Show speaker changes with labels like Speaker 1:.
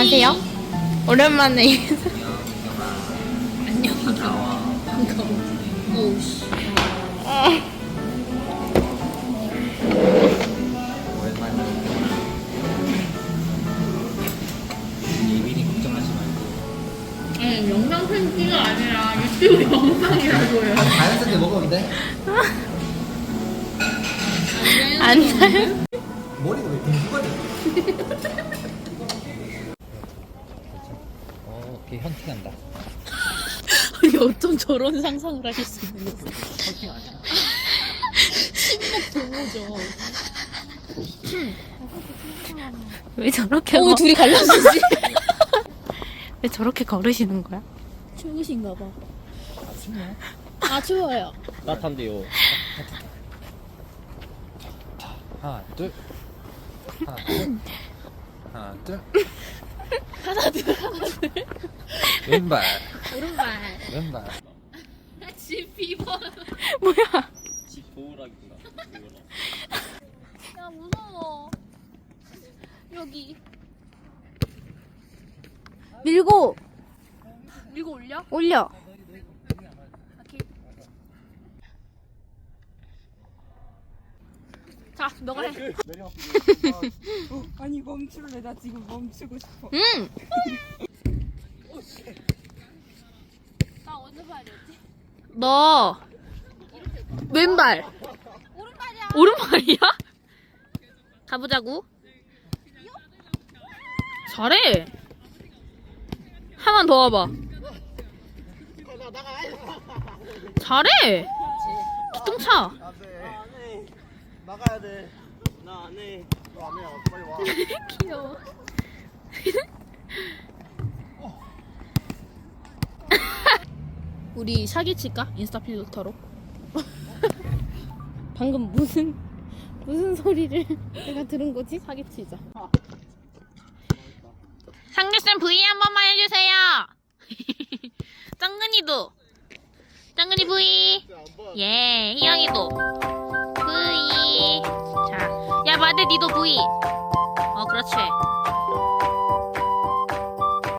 Speaker 1: 안녕하세요. 오랜만에
Speaker 2: 안녕. 반가워. 오우씨.
Speaker 3: 예민이 걱정하지 말고
Speaker 2: 아니 영상 편지가 아니라 유튜브 영상이라고요.
Speaker 3: 자연스럽게 먹으면 돼?
Speaker 1: 안 사요.
Speaker 3: 머리가 왜 빙수가 돼? 걔 헌팅한다.
Speaker 2: 아니 어쩜 저런 상상을 하실 수 있는 거지?
Speaker 3: 헌팅 아니야?
Speaker 2: 동호죠.
Speaker 1: 왜 저렇게
Speaker 2: 오 둘이 갈라지지?
Speaker 1: 왜 저렇게 걸으시는 거야?
Speaker 2: 추우신가 봐.
Speaker 3: 아 춥냐?
Speaker 2: 아 추워요.
Speaker 3: 따뜻한데요. 하나 둘 하나 둘 하나 둘
Speaker 2: 하나 둘 하나 둘.
Speaker 3: 왼발
Speaker 2: 오른발.
Speaker 3: 왼발
Speaker 2: 집 비버.
Speaker 1: 뭐야?
Speaker 3: 집 보호락이구나.
Speaker 2: 야 무서워. 여기
Speaker 1: 밀고
Speaker 2: 밀고 올려?
Speaker 1: 올려.
Speaker 2: 오케이. 자 너가 해.
Speaker 4: 아니 멈출래 나 지금 멈추고 싶어.
Speaker 1: 응.
Speaker 2: 나 어디서 봐야 되지?
Speaker 1: 너 왼발.
Speaker 2: 오른발이야.
Speaker 1: 오른발이야? 가보자고. 잘해. 하나만 더 와봐. 잘해. 기똥차.
Speaker 5: 안해 나가야 돼. 나 안 해. 너 안 해. 빨리 와.
Speaker 1: 귀여워.
Speaker 2: 우리 사기칠까? 인스타 필터로.
Speaker 1: 방금 무슨 소리를 내가 들은 거지?
Speaker 2: 사기치자.
Speaker 1: 상규쌤 V 한 번만 해주세요. 짱근이도. 짱근이 V. 예, 희영이도 V. 자, 야 마대 니도 V. 그렇지.